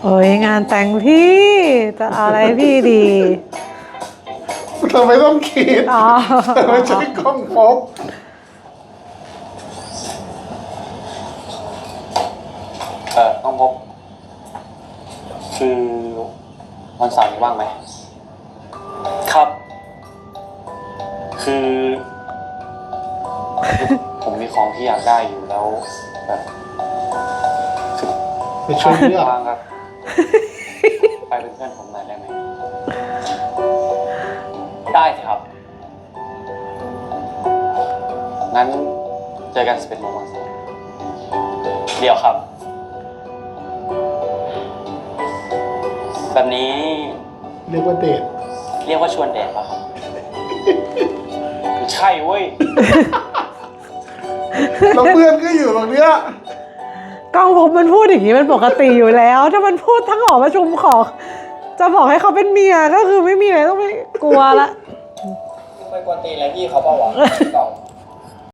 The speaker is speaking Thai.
โอ้ยงานแต่งพี่จะเอาอะไรพี่ดีทำไมต้องคิดอ๋อไม่ใช่กล้องพบต้องพบคือวันเสาร์นี้ว่างไหมครับ คือ ผมมีของที่อยากได้อยู่แล้วแบบคือไปช่วยเลือกว่างครับ ไปเป็นเพื่อนผมหน่อยได้ไหมได้สิครับ งั้นเจอกัน11 โมงวันเสาร์เดี๋ยวครับ แบบนี้เรียกว่าเดทเรียกว่าชวนเดทป่ะครับ ใช่เว้ยแล้วเพื่อนก็อยู่ตรงเนี้ยกล้องผมมันพูดอย่างนี้มันปกติอยู่แล้ว ถ้ามันพูดทั้งหอประชุมของจะบอกให้เขาเป็นเมียก็คือไม่มีอะไรต้องไปกลัวละไปกวนตีนอะไรพี่เขาเปล่าวะกล่อง